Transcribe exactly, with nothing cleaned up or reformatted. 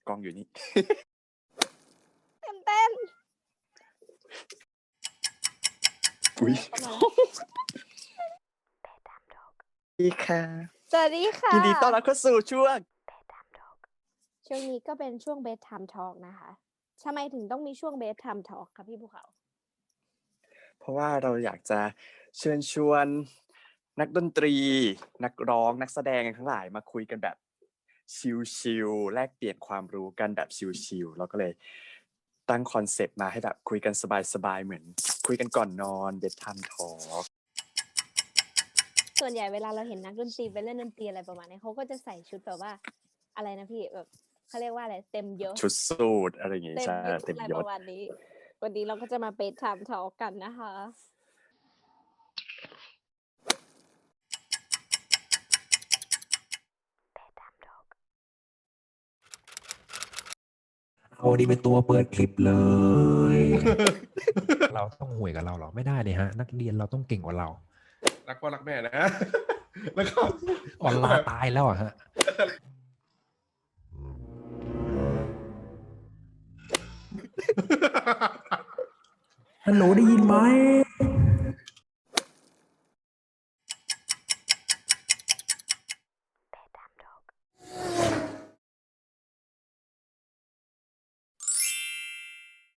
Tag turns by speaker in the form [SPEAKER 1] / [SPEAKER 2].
[SPEAKER 1] กล้องอยู่นี่
[SPEAKER 2] เต้นเต้น
[SPEAKER 1] อุ้ย
[SPEAKER 2] เข้ามา
[SPEAKER 1] ดีค่ะ
[SPEAKER 2] สวัสดีค่ะ
[SPEAKER 1] ยินดีต้อนรับเข้าสู่ช่วง
[SPEAKER 2] ช่วงนี้ก็เป็นช่วง bedtime talk นะคะทำไมถึงต้องมีช่วง bedtime talk คะพี่ภูเขา
[SPEAKER 1] เพราะว่าเราอยากจะเชิญชวนนักดนตรี นักร้องนักแสดงทั้งหลายมาคุยกันแบบชิลๆแลกเปลี่ยนความรู้กันแบบชิลๆเราก็เลยตั้งคอนเซปต์มาให้แบบคุยกันสบายๆเหมือนคุยกันก่อนนอน bedtime talk
[SPEAKER 2] ส่วนใหญ่เวลาเราเห็นนักดนตรีไปเล่นดนตรีอะไรประมาณนี้เขาก็จะใส่ชุดแบบว่าอะไรนะพี่แบบเขาเรียกว่าอะไรเต็มยศ
[SPEAKER 1] ชุดสูทอะไรอย่างงี้
[SPEAKER 2] เต็ม
[SPEAKER 1] ใช่
[SPEAKER 2] ยศ
[SPEAKER 1] เต็ม
[SPEAKER 2] อะไร
[SPEAKER 1] ย
[SPEAKER 2] ป
[SPEAKER 1] ศ
[SPEAKER 2] ระมาณนี้ วันนี้เราก็จะมา bedtime talk กันนะคะ
[SPEAKER 3] เอาดีเป็นตัวเปิดคลิปเลย เราต้องห่วยกับเราเหรอไม่ได้เลยฮะ นักเรียนเราต้องเก่งกว่าเรา
[SPEAKER 4] รักพ่อรักแม่นะ แล้วก็
[SPEAKER 3] ออนไลน์ตายแล้วอะฮะฮัลโหลได้ยินไหม